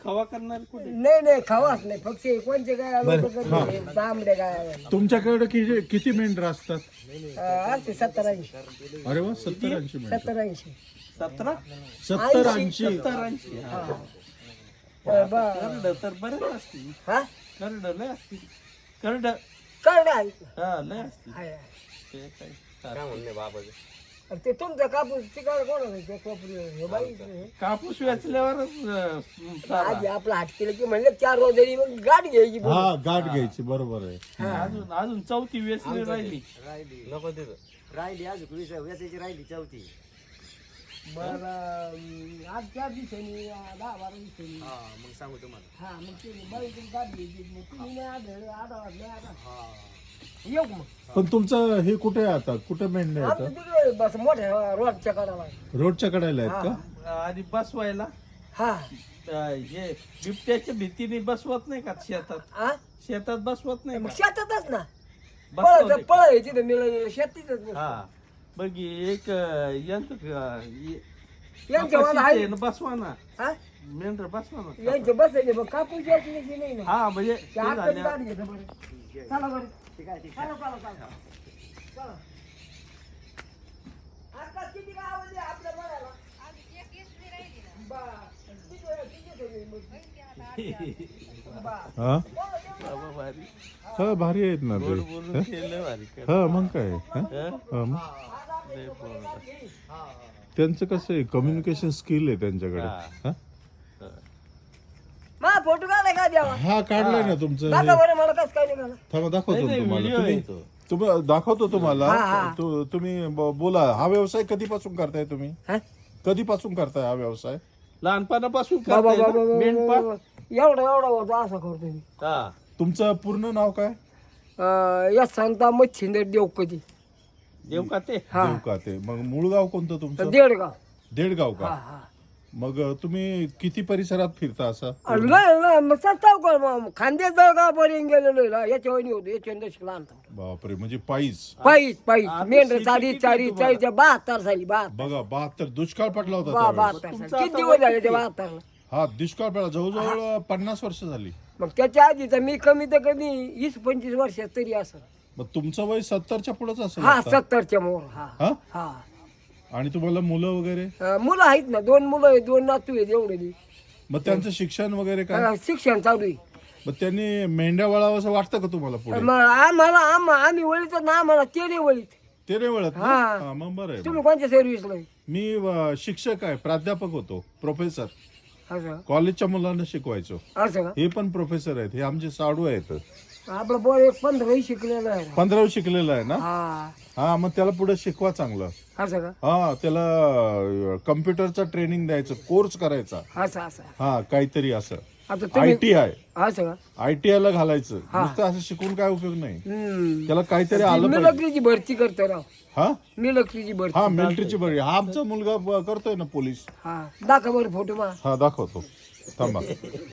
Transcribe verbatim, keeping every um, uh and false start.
खवा करणार कुठे? नाही नाही खावाच नाही फक्त कोणते काय आलो तांबडे काय तुमच्याकडे किती किती मेंढर असतात? असते सत्तर ऐंशी अरे वा, सत्तर ऐंशी मेंढर. सत्तर ऐंशी सतरा सत्तर ऐंशी सत्तर ऐंशी हा. तर बा- करड तर बरेच असतील. हा करड लय असतील. करड कळलं आहे. हा लय असतील. आहे, आहे. ते काय काय म्हणणे बाबाचं आणि ते तुमचा कापूस तिकडे कोण होतं ते कोपरी हे बाई हे. कापूस वेचल्यावरच अं, चारा. आधी आपला हात केलं की म्हणलं चार रोजरी मग गाडी घ्यायची हा, गाठ घ्यायची, बरोबर आहे. अजून अजून चौथी वेचली राहिली. राहिली नको तिथं राहिली अजून वीस वेचायची राहिली चौथी. बरं अं, आज चार दिवसांनी अं, दहा बारा दिवसांनी हा मग सांगू तुम्हाला. हा मग ते बाई तुम्ही गाडी घ्यायची मग तुम्ही नाही आढळ आढळ नाही आढळ हा येऊ मग पण तुमचं हे कुठे आहे आता? कुठे मेंढ्या आमचं आहेत? तिकडे बस मोठ्या रोडच्या कडाला रोडच्या कडेला आहेत का? आधी बसवायला हा अं, हे बिबट्याच्या भीतीने बसवत नाही का शेतात? हा शेतात बसवत नाही मग का? शेतातच ना बसवते पळ का? पळ तिथं मिळेल शेतीतच हा बघ एक अं, यंत्र अं, ये- यांच्या वाला कपाशीचे आहे न बसवा ना हा मेंढर बसवा ना. यांचे बसायचे बघ कापूस यायची नाही नाही ना हा म्हणजे ते ते हातात झाल्या- गाडी घेतं बरं चला बरं ठीक आहे ठीक चला चला चला चला आता किती काय आवडली आपल्या बघायला बा किती वेळ किती सगळी मग बा हा बाबा भारी. हा, भारी आहेत ना गोड ते. बोलून केलं भारी कर. हा, मग काय हा? हं? हा, मग लय बोललं. त्यांचं कसं आहे, कम्युनिकेशन स्किल आहे त्यांच्याकडे. हा. हा? मा फोटो काढाय का द्यावा हा, काढलाय ना तुमचं हे. दाखवा बरं मला कसं काय निघाला थांबा, दाखवतो नाही, नाही, तुम्हाला. व्हिडिओ तुम्ही आहे तो. तुम्ही दाखवतो तुम्हाला. हा, हा. तु- तुम्ही ब- बोला, हा व्यवसाय कधीपासून करताय तुम्ही? हा? कधीपासून करताय हा व्यवसाय? लहानपणापासून बाबा करताय बाबा ना? मेंढपाळ? बाबा एवढा एवढा होतो असं करतो मी हा तुमचं पूर्ण नाव काय? अं, या सांगता मच्छिंदर देव कधी देव का ते? हा देव का ते. मग मूळ गाव कोणतं तुमचं? देडगाव देडगाव हा का? हा मग तुम्ही किती परिसरात फिरता असं? अरे लय लय मग सत्ताव कर मग खांदे जळगावपर्यंत गेलेलो ना याच्या वहिनी होतो याच्या दशक लहान बापरे, म्हणजे पायीच. पायीच पायीच आता मेंढर शेती चारी किती चारी तुम्हाला? चारीच्या बहात्तर साली बहात्तर बघा, बहात्तर दुष्काळ पडला होता बा त्यावेळेस. बहात्तर तुमचं साली किती आता दिवस वय झाले ते किती? बहात्तरला हा, दुष्काळ पडला, जवळजवळ पन्नास वर्ष झाली. मग त्याच्या आधीचा मी कमी तर कमी वीस पंचवीस वर्षात तरी असं मग तुमचं वय सत्तरच्या पुढेच असेल हा आता. सत्तरच्या मोर हा हा? हा आणि तुम्हाला मुलं वगैरे? अं, मुलं आहेत ना दोन मुलं आहेत दोन नातू आहेत एवढे बी. मग त्यांचं शिक्षण वगैरे काय? अं, शिक्षण चालू आहे मग त्यांनी मेंढ्या वळावं असं वाटतं का तुम्हाला पुढे? मग आम्हाला आम- आम्ही वळीत ना आम्हाला ते नाही वळीत ते नाही वळत ना? हा. हा, मग बरं आहे. तुम्ही कोणत्या सर्व्हिसला आहे? मी अ, शिक्षक आहे, प्राध्यापक होतो, प्रोफेसर. असं कॉलेजच्या मुलांना शिकवायचो. असं का हे पण प्रोफेसर आहेत, हे आमचे साडू आहेत. आपलं पोर एक पंधरावी शिकलेलं आहे ना. पंधरावी शिकलेला आहे ना? हा हा, मग त्याला पुढे शिकवा चांगलं. असं का हा, त्याला कम्प्युटरचा ट्रेनिंग द्यायचं, कोर्स करायचा. असं असं हा, काहीतरी असं आता आय तुम्ही टी आय असं का आय टी आय ला घालायचं. नुसतं असं शिकून काय उपयोग नाही, हम्म त्याला काहीतरी आलं पाहिजे. मिलिटरीची भरती करतो राव हा मिलिटरीची भरती हा मिलिटरीची बरी. हा, आमचा मुलगा ब- करतोय ना पोलीस. हा दाखवा बरं फोटो मा हा, दाखवतो, थांबा.